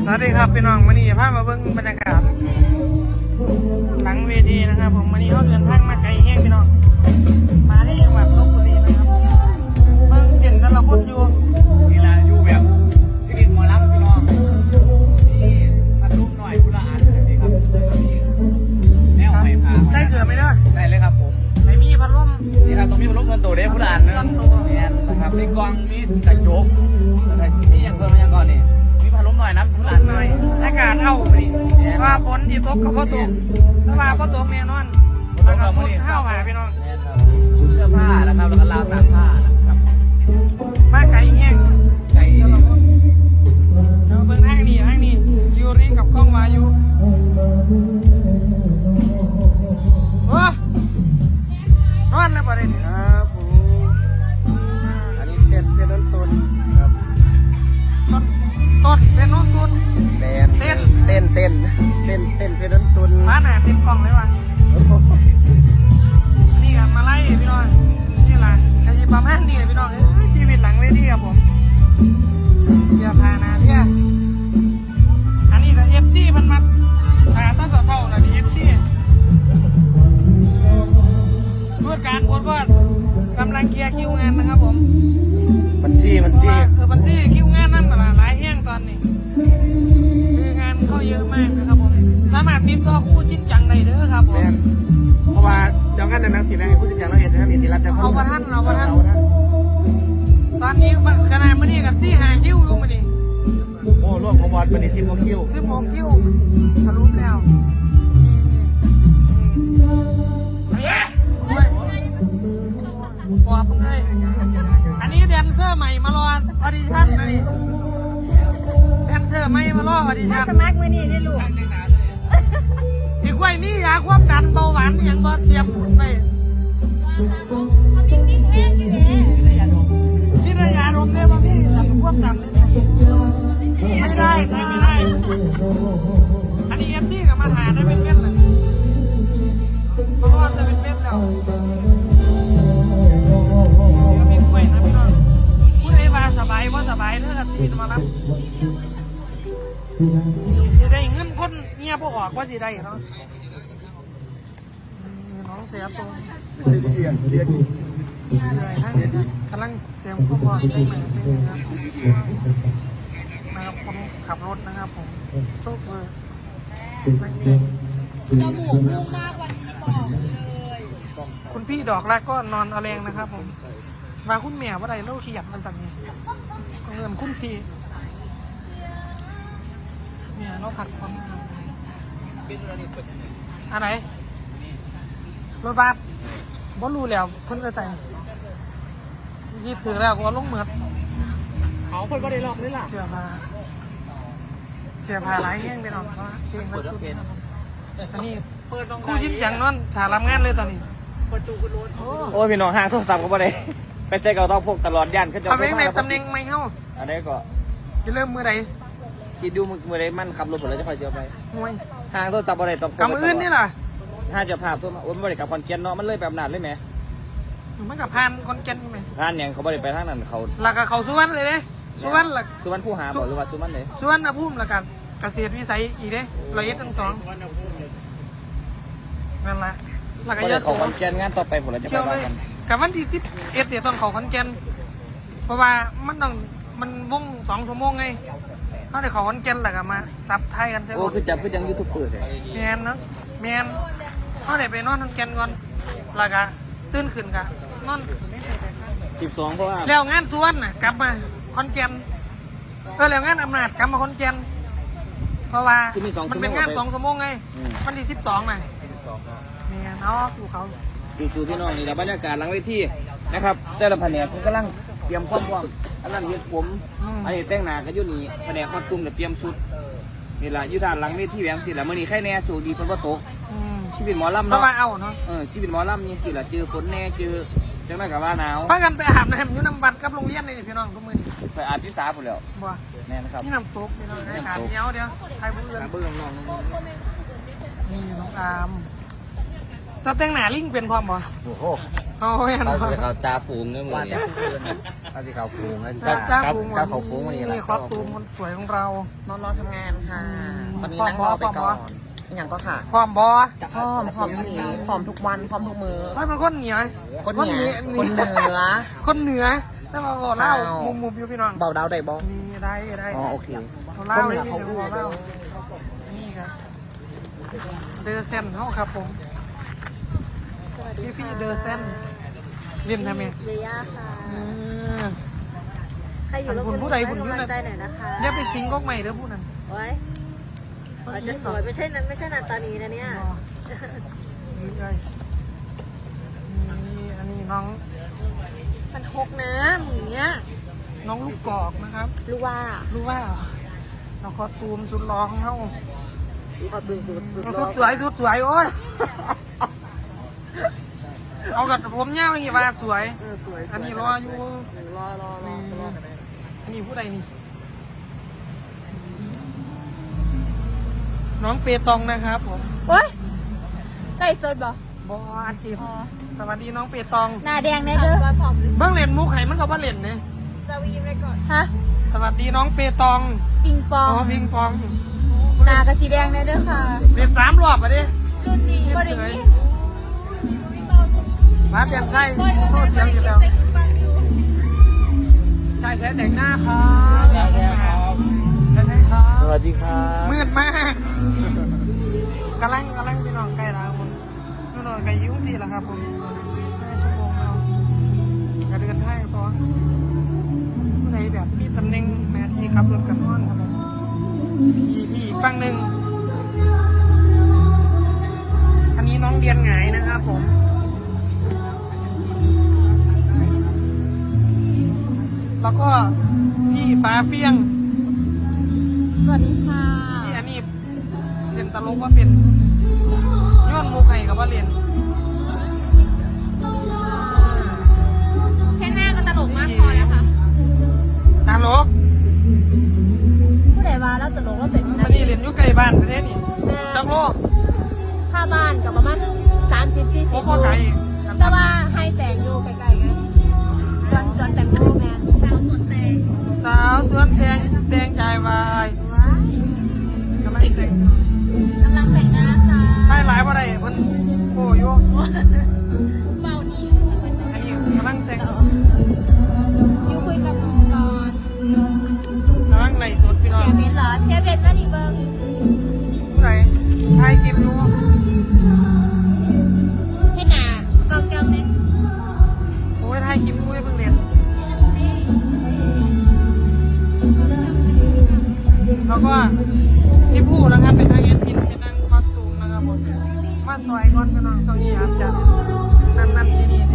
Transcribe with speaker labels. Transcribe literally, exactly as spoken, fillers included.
Speaker 1: วัสดีครับพี่น้องวันนี้พามาเบิ่งบรรยากาศหลังเวทีนะครับผมวันนี้เขาเดินทางมาไกลแห้งพี่น้องมาที่จังหวัดลบบุรีนะครับเบิ่งเด่นแต่ละคนอยู่
Speaker 2: นี่ละอยู่แบบชีวิตหมอลำพี่น้องที่มันรุ่มหน่อยพุละอันแบบนี้ครับแนวไม่ผ่า
Speaker 1: ใส่เกลือไหมเด้อ
Speaker 2: ได้เลยครับผม
Speaker 1: ไม่มีพัดลม
Speaker 2: นี่ครับตรงนี้พัดลมเงินโตได้พุละอันนึงเนี่ยนะครับมีกล้องมีกระจกนี่ยังเพิ่มยังก่อนนี่มีพัดลมหน่อยนะพุละอัน
Speaker 1: หน่อยอากาศเอาไปว่าฝนที่ตกกับพ่อตกถ้าว่าพ่อตกแน่นอนแล้วก็สุดข้าวหาพี่น้อง
Speaker 2: เสื้อผ้านะครับแล้วก็ราวตากผ้านะครับ
Speaker 1: มาไกลแห้ง
Speaker 2: ไก่
Speaker 1: เราเบิ่งห้างนี้ห้างนี้ยูริกับกล้องวายูโอ้นอนแล้วประเด็น
Speaker 3: ครับผมอันนี้เต้นเต้นต้นต้นครับ
Speaker 1: ต้นต้นเป็นน้องตุน
Speaker 3: เต้นเต้นเต้นเต้นเต้นเต้นเต้นต้นต้น
Speaker 1: มาหนาติดกล่องเลยวะนี่ครับมาไล่พี่น้องนี่แหละกระชิบประมาณนี้พี่น้องชีวิตหลังเวทีครับผมอย่าพานาเที่ยอันนี้ก็เอฟซีมันมาหาตั้งเศร้าๆนะดิเอฟซีพูดการพูดว่ากำลังเคลียร์คิวงานนะครับผม
Speaker 2: บัญชีบัญชี
Speaker 1: เออบัญชีคิวงานนั่นแหละหลายแห้งตอนนี้คืองานเข้าเยอะมากนะครับผมสามารถติดต่อคู่ชิ้นจังได้เด้อครับผม
Speaker 3: เพราะว่าเดี๋ยวกันในนักศิลป์ให้ผู้จัดการเราเห็นนะมีศิลป์จะ
Speaker 1: เอาประท่านเอาประท่านตอนนี้ขนาดมันนี่กับซี่หางคิวอยู่มันนี่
Speaker 3: โอ้ร่วมของบอลเป็นสิบโมงคิว
Speaker 1: สิบโมงคิวทะลุแล้วปอบเลยอันนี้แดนเซอร์ใหม่มารอออดิชั่นนะนี่แดนเซอร์ใหม่มารอออดิชั่น
Speaker 4: สมัครมือนี่ได้ลูก
Speaker 1: อีกไว้นี่ยาความดันเบาหวานอย่างบ่เตรียมไปที่ระยะลมเนี่ยว่าพี่ดันควบดันเลยไม่ได้ไม่ได้อันนี้เอฟซีกับมาหาได้เป็นเม็ดเลยเพราะว่าจะเป็นเม็ดแล้วเดี๋ยวมีกล้วยนะพี่น้องพูดให้ว่าสบายว่าสบายเด้อครับที่มารับสิได้เงินคนเงียบออกว่าสิได้เนาะน้องเสียตัว
Speaker 3: ไม่ใช่เรียนเรียน
Speaker 1: ทั้งกำลังเตรียมข้อมูลได้ไหมนะครับนะครับคนขับรถนะครับผมโชเฟอร์
Speaker 4: จมูกนุ่มมากวันนี้บอกเลย
Speaker 1: คุณพี่ดอกแรกก็นอนเอาแรงนะครับผมมาคุณแม่ว่าไรเล่าขี้หยัดมันต่างนี้เงินคุณพี่เนี่ยเราผักความอะไรรถบัสบอลลูแล้วเพิ่นจะแต่งยีบถือแล้วก็ลงเหมือด
Speaker 2: เขาคนก็ได้รอบนี่แหละ
Speaker 1: เสียพาเสียพาหลายแห้งไปหน่อยเพราะเพลงมันสุดอันนี้คู่ชิ้นจังนั่นถ่ายรับงานเลยตอนนี้
Speaker 2: ประตูคุณรถโอ้ยพี่น้องห่างโทรศัพท์ก็ไม่ได้ไปใช้เก่าต้องพกตลอดย่านขึ้นจอ
Speaker 1: เอาเพลงในตำแหน่งไม่เข้า
Speaker 2: อันนี้ก็
Speaker 1: จะเริ่มมือใด
Speaker 2: คิดดูมือใดมันขับรถผมแล้วจะคอยเชียวไป
Speaker 1: ห่วย
Speaker 2: ห่างโทรศัพท์อะไรต้อง
Speaker 1: กำอื่นนี่ล่ะ
Speaker 2: ถ้าจะภาพตัวมาโอ้ยไม่ได้กับคอนเกนเนาะมันเลยแบบนั้นเลยไหม
Speaker 1: มันกับพานคอนเกนไหม
Speaker 2: พานอย่างเขาไม่ได้ไปทางนั้นเขา
Speaker 1: หลักกับเขาสุวรรณเลยเด้สุวรรณหลัก
Speaker 2: สุวรรณผู้หาบอกหรือว่าสุวรรณเลย
Speaker 1: สุวรรณภูมิหลักกันเกษตรวิสัยอีกเด้ร้อยเอ็ดทั้งสองนั่นแหละหลักกับเยอะ
Speaker 2: เขาคอนเกนงานต่อไปผมเราจะไปว่ากัน
Speaker 1: กับวันที่สิบเอ็ดเดี๋ยวต้องเขาคอนเกนเพราะว่ามันต้องมันวงสองชั่วโมงไงเขาได้เขาคอนเกนหลักมาซับไทยกันเสีย
Speaker 2: โอ้คือจับคือยังยูทูบเปิดเลย
Speaker 1: แมนเนาะแมนเขาได้ไปนอนคอนเกนก่อนหลักอะตื่นขึ้นกะนอน
Speaker 2: สิบสองเพราะว่า
Speaker 1: แล้วงานส่วนน่ะกลับมาคอนเกนเออแล้วงานอำนาจกลับมาคอนเกนเพราะว่ามันเป็นงานสองชั่วโมงไงวันที่สิบสองน่ะเนี่ยเนาะสู่เขา
Speaker 2: สู่พี่น้องนี่แหละบรรยากาศหลังเวทีนะครับแต่ละแผนกผมกำลังเตรียมความพร้อมอันนั้นเห็ดผมอันนี้แต่งหน้าก็ยุ่นี่แผนกคอดตุ้มเนี่ยเตรียมชุดนี่แหละยุทธานหลังเวทีแหวงสิแหละมื่อนี้แค่แน่สู่ดีฝนว่าตกชีวิตหมอลำ
Speaker 1: เนาะเอาเนาะ
Speaker 2: เออชีวิตหมอลำนี่สิแหละเจอฝนแน่เจอจังไรกับว่าหนาว
Speaker 1: พากันไปอาบน้ำอยู่น้ำบัดกับโรงเรียนนี่พี่น้องทุกมื้อนี่
Speaker 2: ไปอาบที่สาผมแล้ว
Speaker 1: บ่
Speaker 2: แน่นะครับ
Speaker 1: นี่น้ำตกพี่น้องให้ขาเดียวเดียวไทยบุญเรือน
Speaker 2: เบื้องน้อง
Speaker 1: นี่น้องอามจะแต่งหน้าลิงเป็นพร้อมบ่
Speaker 3: โอ้โห
Speaker 1: เอาแม่น
Speaker 3: เขา
Speaker 1: บ่
Speaker 3: จะเขาจ้าฟูงด้วยมือเนี่ยเขาจะเขาฟูงแล้ว
Speaker 1: จ้า
Speaker 3: จ้า
Speaker 1: จ้าพุง
Speaker 3: จ้าเขาฟูงวันนี้แหละ
Speaker 1: นี่คอสตูมคนสวยของเรา
Speaker 5: นอนรอทำงานค่ะ ตอนนี้
Speaker 1: พร้อม
Speaker 5: นั่งรอไป
Speaker 1: พร้อม
Speaker 5: ก่อนอีกอย่างก็ค่ะ
Speaker 1: พร้อมบ่
Speaker 5: พร้อมพร้อมหนีพร้อมทุกวันพร้อมทุกมือ
Speaker 1: เฮ้ยมันคนเหนียว
Speaker 5: คนเหนือคนเหนือ
Speaker 1: คนเหนือแต่ว่าบอกเล่า
Speaker 5: อ้าว
Speaker 1: มุมมุมๆอยู่พี่น้อง
Speaker 5: เบาดาวได้บ่
Speaker 1: มีได้ได้
Speaker 5: อ๋อโอเค
Speaker 1: เขาเล่าได้ที่เดี๋ยวบอกเล่านี่ครับเดอเซนเขาครับผมพี่พี่เดอเซนเรียนทำไม
Speaker 4: เดียค่ะ
Speaker 1: เออ
Speaker 4: ใครอยู่ลบบุรี
Speaker 1: ผู้ใดผู้
Speaker 4: ให้
Speaker 1: หนึ่ง
Speaker 4: กำลังใจหน่อยนะคะ
Speaker 1: อย่าไปซิงก๊กใหม่เด้อผู้นั้น
Speaker 4: ไว้อาจจะสวยไม่ใช่นั้นไม่ใช่นันตานีนะเนี่ย
Speaker 1: นี่เลยนี่อันนี้น้อง
Speaker 4: มันหกนะอย่างเงี้ย
Speaker 1: น้องลูกกอกนะครับ
Speaker 4: รู้ว่า
Speaker 1: รู้ว่าเราคอตูมสุดร้องเขา
Speaker 5: เขาตื่นสุดสุด
Speaker 1: สุดสวยสุดสวยโอ้ย เอากับผมเงาอย่างงี้ว่าสวย
Speaker 5: สวย
Speaker 1: อันนี้รออยู่
Speaker 5: รอรอรอรอกันได้
Speaker 1: อันนี้ผู้ใดนี่ น้องเปตองนะครับผม
Speaker 4: โอ๊ยไก่สดบ่
Speaker 1: บออาทิตย์สวัสดีน้องเปตอง
Speaker 4: หน้าแดงแน่เด้อผอม
Speaker 1: เบื้องเล่นมุกไห้มันก็บ่เล่นเนี่ย
Speaker 4: จะวีมเลยก่อนฮะ
Speaker 1: สวัสดีน้องเปตอง
Speaker 4: ปิงปอ
Speaker 1: อ๋
Speaker 4: ง
Speaker 1: อพิงปอง
Speaker 4: หน้ากระสีแดงแน่เด้อค่ะ
Speaker 1: เล่นสามรอบอะดิ
Speaker 4: รุ่นนี้บริ
Speaker 1: เฉย
Speaker 4: งี้
Speaker 1: มาเปลี่ยนไส้โซ่เสียงอยู่แล้ว ใช่ใช้แต่งหน้าครับใช่ใช่ครับใช่ใช่ครับ
Speaker 3: สวัสดีครับ
Speaker 1: มืดมากกำลังกำลังพี่น้องใกล้แล้วผมพี่น้องใกล้ยุ่งสิแล้วครับผมห้าชั่วโมงแล้วกระเดือนให้พอผู้ใดแบบมีตำแหน่งแม่ที่ขับรถกันนอนครับผมพี่พี่อีกฝั่งหนึ่งอันนี้น้องเดียนหงายนะครับผมแล้วก็พี่ฟ้าเฟี้ยง
Speaker 4: สวัสดีค่ะ
Speaker 1: ที่อันนี้เรียนตลกว่าเป็นย้อนมุกไห้กับว่าเรียน
Speaker 4: แค่หน้าก็ตลกมากพอแล้วค่ะ
Speaker 1: ตลก
Speaker 4: ผู้ใดว่าแล้วตลกแล้วเป็น
Speaker 1: มันนี่เรียนอยู่ใกล้บ้านประเทศนี่จังโล
Speaker 4: ค่าบ้านกับประมาณสามสิบสี่
Speaker 1: โอ้
Speaker 4: สิบ
Speaker 1: ข้อไก่
Speaker 4: แต่ว่าให้แต่งอยู่ใกล้ๆกันสวนสวนแต่งโมแมนสาวสวนแต่ง
Speaker 1: สาวสวนแตงแตงใจวายกำลังแต่ง
Speaker 4: กำลังแต่งหน้าค่ะ
Speaker 1: ใช่หลายบ่ได้เพิ่นโอ้ย
Speaker 4: เบาดี
Speaker 1: อันนี้กำลังแต่ง
Speaker 4: อยู่คุยกับมึงก่อน
Speaker 1: กำลังในสดพี่น้อง
Speaker 4: เสียเบนเหรอเสียเบนว่าดีเบิ้ง
Speaker 1: ผู้ใดถ่ายคลิปอยู่
Speaker 4: ให้หนาเกาเกาเนี่ย
Speaker 1: โอ้ยถ่ายคลิปอยู่เพิ่งเรียนแล้วก็ที่ผู้นะครับเป็นทางเอ็นพินเป็นนางคอสตูมนะครับผมมาซอยก่อนพี่น้องเก้าอี้ครับจะนั่นนั่นนี่นี่